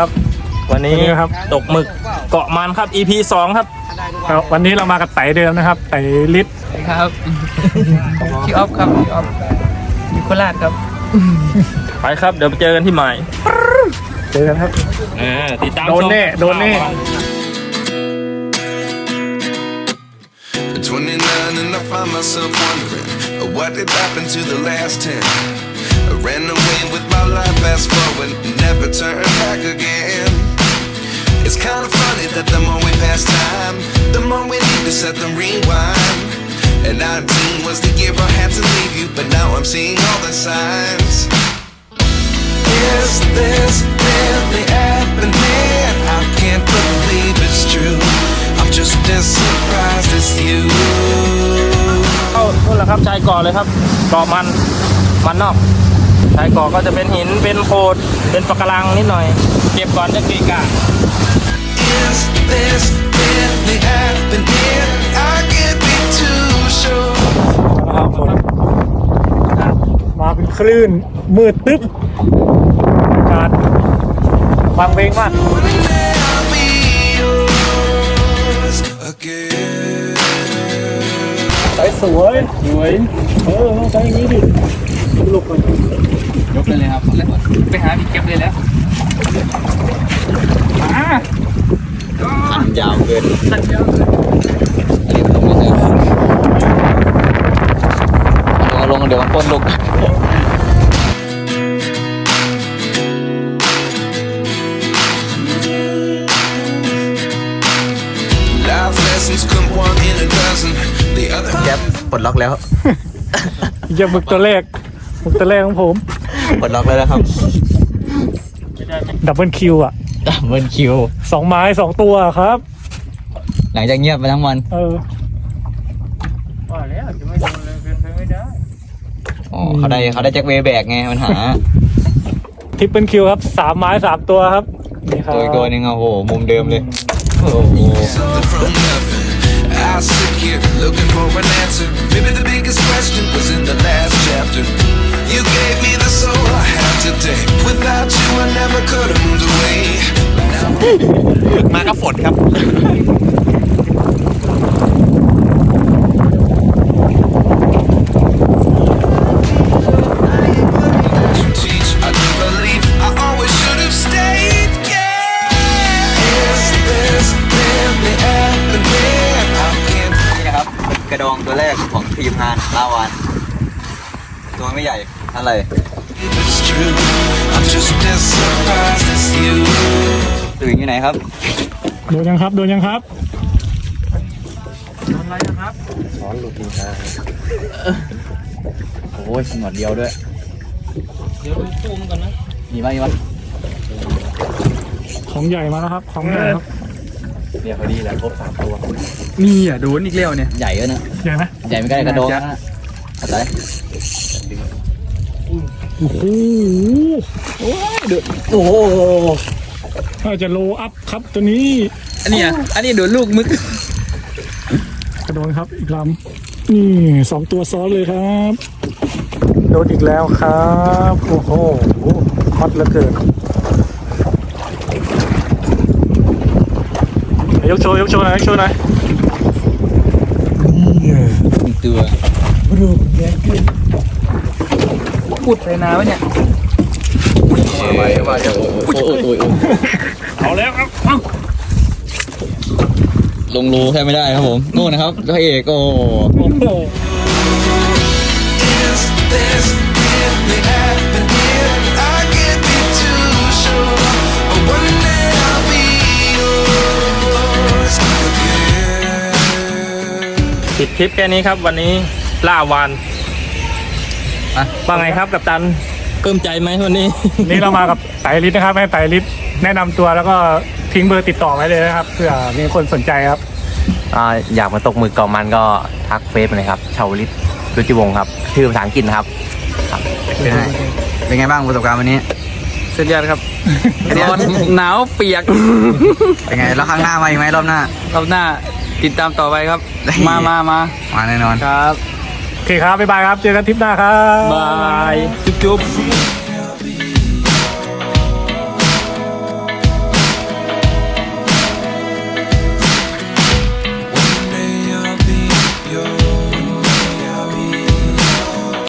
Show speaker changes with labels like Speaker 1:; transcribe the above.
Speaker 1: ครับ
Speaker 2: วันนี้
Speaker 1: ครับ
Speaker 2: ตกหมึกเกาะมันครับ EP 2 ครับ
Speaker 1: วันนี้เรามากับไต่เดิมนะครับไต่ลิศ
Speaker 3: ครับพี่ออฟครับพี่ออฟอยู่โคราชครับ
Speaker 2: ไปครับเดี๋ยวไปเจอกันที่หมาย
Speaker 1: เจอกันครับ
Speaker 2: ติดตาม
Speaker 1: โดนแน่โดนแน่
Speaker 4: 29 and I find myself wondering what did happen to the last 10. I ran away with my life, fast forward, never turn back again. It's kind of funny that the more we pass time, the more we need to set the rewind. And 19 was the year I had to leave you, but now I'm seeing all the signs. Is this really happening? I can't believe it's true. I'm just as surprised as you.
Speaker 2: เข้านู่นแหละครับชายเกาะเลยครับเกาะมันนอกชายเกาะก็จะเป็นหินเป็นโขดเป็นปะการังนิดหน่อยเก็บก่อนจะเกะกะ
Speaker 4: Is this really happening? I can't be too sure.
Speaker 1: นะครับฝนมาเป็นคลื่นมืดตึ๊บอากาศฟังเพลงมาก
Speaker 4: Wouldn't I be yours again?
Speaker 1: ใส่สวยต้องใช้อย่างนี้ดิลุกเลย
Speaker 3: ยกเลยครับไปหาพี่เก็บเลยแล้ว
Speaker 5: ขันยาวเกินลงเดี๋ยวมันปนลูก
Speaker 4: Life lessons come one in a dozen. The other
Speaker 5: แก๊ปปลดล็อกแล้ว
Speaker 1: ยังหมึกตัวแรกของผม
Speaker 5: ปลดล็อกแล้วนะครับ
Speaker 1: ดับเบิลคิวอ่ะ
Speaker 5: ดับเบิลคิว
Speaker 1: 2 ไม้ 2 ตัวครับ
Speaker 5: หลังจากเงียบไปทั้งวัน
Speaker 2: ว่าแล้วจะไม่โดนเลยเป็นไปไม่ได้
Speaker 5: อ๋อเขาได้แจ็คเวย์แบกไงปัญหา
Speaker 1: ทริปเปิลคิวครับ3 ไม้ 3 ตัวครับนี่ครับ
Speaker 5: ตัวอีกตัวหนึงอ่ะโหมุมเดิมเลยโอ้โห
Speaker 4: something from nothing. I sit here looking for an answer. Maybe the biggest question was in the last chapter. You gave me the soul I have today. Without you, I never could have moved away. But now
Speaker 5: มากับฝนครับ
Speaker 4: you teach, I do believe I always should have stayed. Yeah. Is this really happening? I can't
Speaker 5: นี่นะครับกระดองตัวแรกของทีมงานลาวานตัวไม่ใหญ่อะไร
Speaker 4: believe it's true. I'm just as surprised as you.
Speaker 5: ตื่นอยู่ไหนครับ
Speaker 1: โดนยังครับ
Speaker 2: โดนอะไรนะครับ
Speaker 5: ช้อนลูกกินชาโอ้ยหนวดเดียวด้วย
Speaker 2: เดี๋ยวดูซูมก่อนนะ
Speaker 5: มีไหมวะ
Speaker 1: ของใหญ่มาแล้วครับของใหญ่ครับ
Speaker 5: เนี่ยพอดีแหละครบ3ตัว
Speaker 3: มีอ่ะโดนอีกแล้วเนี่ย
Speaker 5: ใหญ่แล้วนะ
Speaker 1: ใหญ่ไหม
Speaker 5: ใหญ่ไม่ใกล้กระโดงนะอะไร
Speaker 1: โอ้โห
Speaker 5: โอ้โห
Speaker 1: น่าจะโลอัพครับตัวนี้
Speaker 3: อันนี้โดนลูกมึก
Speaker 1: กระโดนครับอีกลำนี่2 ตัวซ้อนเลยครับโดนอีกแล้วครับโอ้โหฮอตเหลือเกินยกโชว์หน่อย
Speaker 5: ตัว
Speaker 3: พูดไปนานวะเนี่ย
Speaker 2: เอาแล้วครับ
Speaker 5: ลงรูแค่ไม่ได้ครับผมนู่นนะครับพระเอกโอ้
Speaker 4: Is this really happening? I can't be too sure. One day I'll be yours again.
Speaker 2: ปิดทริปแค่นี้ครับวันนี้ล่าวานว่าไงครับกัปตันปลื้มใจไหมวันนี้
Speaker 1: นี่เรามากับไตรลิศนะครับให้ไตรลิศแนะนำตัวแล้วก็ทิ้งเบอร์ติดต่อไว้เลยนะครับเผื่อมีคนสนใจครับ
Speaker 6: อยากมาตกหมึกเกาะมันก็ทักเฟซมาเลยครับชาวลิศรุจิวงศ์ครับชื่อภาษาอังกฤษนะครับ
Speaker 5: เป็นไงบ้างประสบการณ์วันนี้
Speaker 3: สุดยอดครับร้อนหนาวเปียก
Speaker 5: เป็นไงแล้วข้างหน้ามาอีกไหมรอบหน้าร
Speaker 3: อบหน้าติดตามต่อไปครับ มา
Speaker 5: แน่นอน
Speaker 3: ครับ
Speaker 1: โอเคครับบ๊ายบายครับเจอกันทริปหน้าครับ
Speaker 3: บายจุ๊บ